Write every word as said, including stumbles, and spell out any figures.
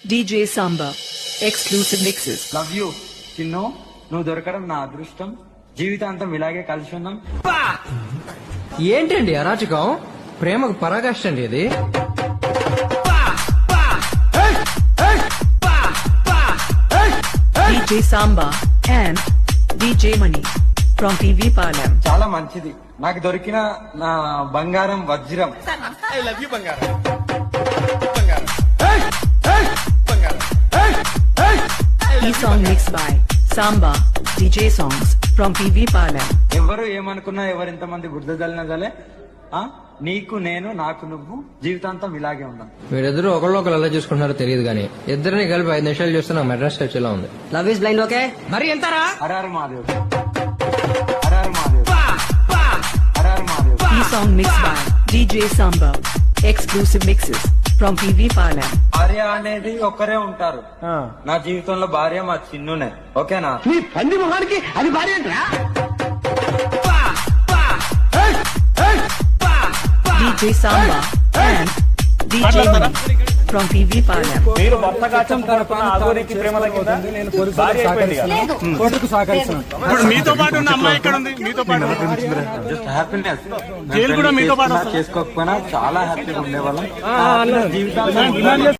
D J Samba. Exclusive mixes. Love you Chinnu, నువ్వు దొరకడం నా అదృష్టం. జీవితాంతం ఇలాగే కలిసి ఉందాం. ఏంటండి అరాచకం? ప్రేమకు పరాకాష్ట అండి ఇది. D J Samba and D J Money from P V Palam. చాలా మంచిది. నాకు దొరికిన నా బంగారం వజ్రం. ఐ లవ్ యూ బంగారం. బంగారం. బంగారం. E song mixed by Samba D J Songs from P V Palam. ఎవరు ఏమనుకున్నా, ఎవరింత మంది బుద్ధ జల్లినా జలే, ఆ నీకు నేను, నాకు నువ్వు, జీవితాంతం ఇలాగే ఉందాం. వీరిద్దరూ ఒకళ్ళు ఒకరు ఎలా చూసుకుంటున్నారో తెలియదు కానీ ఇద్దరిని కలిపి ఐదు నిమిషాలు చూస్తే నాకు మెడ్రాస్ టచ్ ఎలా ఉంది. లవ్ ఇస్ బ్లైండ్ ఓకే మరి ఎంతరా? హరారు మాదేవ్, హరారు మాదేవ్, హరారు మాదేవ్. E song mixed by D J Samba. Exclusive mixes from P V Palam. భార్య అనేది ఒక్కరే ఉంటారు. నా జీవితంలో భార్య మా చిన్నునే. ఓకేనా? నీ పంది మొహానికి అది భార్య ఏంట్రా? D J Samba and D J Money from P V Palam. మీరు భర్త కాచం తరపున ఆగోరికి ప్రేమ తగ్గిందా? భార్య అయిపోయింది కదా. ఇప్పుడు మీతో పాటు ఉన్న అమ్మాయి ఎక్కడ ఉంది? మీతో పాటు జస్ట్ హ్యాపీనెస్. జైలు కూడా మీతో పాటు వస్తుందా? చేసుకోకపోయినా చాలా హ్యాపీగా ఉండేవాళ్ళం. జీవితాంతం